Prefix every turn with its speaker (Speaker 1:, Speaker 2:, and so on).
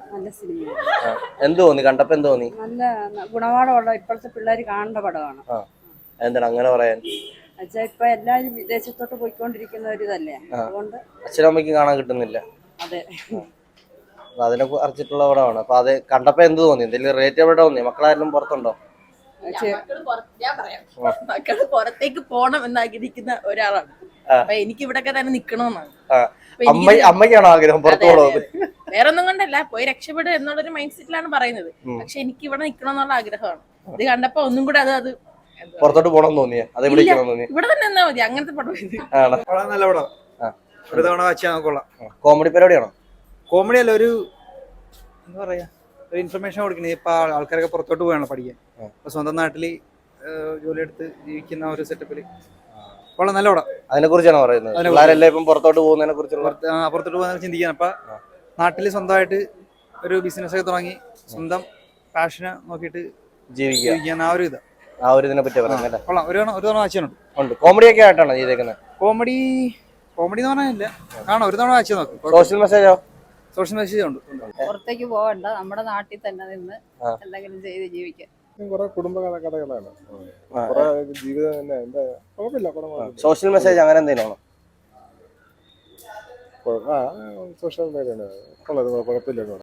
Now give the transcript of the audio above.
Speaker 1: നല്ല സിനിമയാണ്.
Speaker 2: എന്ത് തോന്നി കണ്ടപ്പോ എന്ത് തോന്നി?
Speaker 1: നല്ല ഗുണപാഠമുള്ള ഇപ്പോഴത്തെ പിള്ളേർ കാണേണ്ട പടമാണ്.
Speaker 2: എന്താണ് അങ്ങനെ പറയാൻ?
Speaker 1: എന്നുവെച്ചാൽ ഇപ്പൊ എല്ലാവരും വിദേശത്തോട്ട് പോയിക്കൊണ്ടിരിക്കുന്ന ഒരു ഇതല്ലേ, അതുകൊണ്ട്
Speaker 2: അച്ഛനും അമ്മയ്ക്കും കാണാൻ കിട്ടുന്നില്ല.
Speaker 1: അതെ.
Speaker 2: അതിനെ കുറിച്ചിട്ടുള്ള പടമാണ്. അപ്പൊ അത് കണ്ടപ്പോ എന്ത് തോന്നി? എന്തെങ്കിലും റേറ്റ് എവിടെ തോന്നി? മക്കളായാലും പുറത്തുണ്ടോ?
Speaker 3: ഞാൻ പറയാം, മക്കള് പുറത്തേക്ക് പോണം എന്നാഗ്രഹിക്കുന്ന ഒരാളാണ്. അപ്പൊ എനിക്ക് ഇവിടൊക്കെ തന്നെ നിക്കണമെന്നാണ്.
Speaker 2: അമ്മയ്ക്കാണോ ആഗ്രഹം പുറത്തു പോകണമെന്ന്?
Speaker 3: വേറെ ഒന്നും കൊണ്ടല്ല, പോയി രക്ഷപ്പെടുക എന്നുള്ളൊരു മൈൻഡ് സെറ്റിലാണ് പറയുന്നത്. പക്ഷെ എനിക്ക് ഇവിടെ നിക്കണം എന്നുള്ള ആഗ്രഹമാണ്. ഇത് കണ്ടപ്പോ ഒന്നും കൂടെ അത്
Speaker 2: പുറത്തോട്ട് പോകണം തോന്നിയ
Speaker 3: ഇവിടെ തന്നെ നിന്നാ മതി. അങ്ങനത്തെ പടം ഇത്
Speaker 4: നല്ല പടം. ഒരു തവണ വായിച്ചാൽ നോക്കൊള്ളാം.
Speaker 2: കോമഡി പരിപാടിയാണോ?
Speaker 4: കോമഡി അല്ല, ഒരു എന്താ പറയാ, ഒരു ഇൻഫർമേഷൻ കൊടുക്കുന്നത്. ഇപ്പൊ ആൾക്കാരൊക്കെ പുറത്തോട്ട് പോയാണ് പഠിക്കാൻ. അപ്പൊ സ്വന്തം നാട്ടില് ജോലിയെടുത്ത് ജീവിക്കുന്ന ഒരു സെറ്റപ്പില് വളരെ നല്ല പടം.
Speaker 2: അതിനെ കുറിച്ചാണ് പറയുന്നത്. പിള്ളേരെല്ലാം ഇപ്പം പുറത്തോട്ട് പോകുന്നതിനെ കുറിച്ചുള്ള
Speaker 4: പുറത്തോട്ട് പോകുന്ന ചിന്തിക്കാൻ. അപ്പൊ നാട്ടില് സ്വന്തമായിട്ട് ഒരു ബിസിനസ് ഒക്കെ തുടങ്ങി സ്വന്തം പാഷനെ നോക്കിയിട്ട് ജീവിക്കാൻ ആ ഒരു ഇത്,
Speaker 2: ആ ഒരു ഇതിനെ പറ്റി പറയുന്നത്.
Speaker 4: കൊള്ളാം. ഒരു തവണ വായിച്ചിട്ടുണ്ട്.
Speaker 2: കോമഡി ഒക്കെ ആയിട്ടാണ് ചെയ്തേക്കുന്നത്.
Speaker 4: കോമഡി എന്ന് പറഞ്ഞില്ല, കാണാം. ഒരു തവണ വായിച്ചു നോക്കും.
Speaker 2: സോഷ്യൽ മെസ്സേജോ?
Speaker 4: സോഷ്യൽ മെസ്സേജ് ഉണ്ട്.
Speaker 1: പുറത്തേക്ക് പോകണ്ട, നമ്മുടെ നാട്ടിൽ തന്നെ നിന്ന് എന്തെങ്കിലും ചെയ്ത് ജീവിക്കാൻ.
Speaker 5: കുറെ കുടുംബ കഥകളാണ്. കുറെ ജീവിതം തന്നെ എന്താ കുഴപ്പമില്ല.
Speaker 2: സോഷ്യൽ മെസ്സേജ് അങ്ങനെ എന്തെങ്കിലും
Speaker 5: സോഷ്യൽ മീഡിയ കുഴപ്പമില്ല.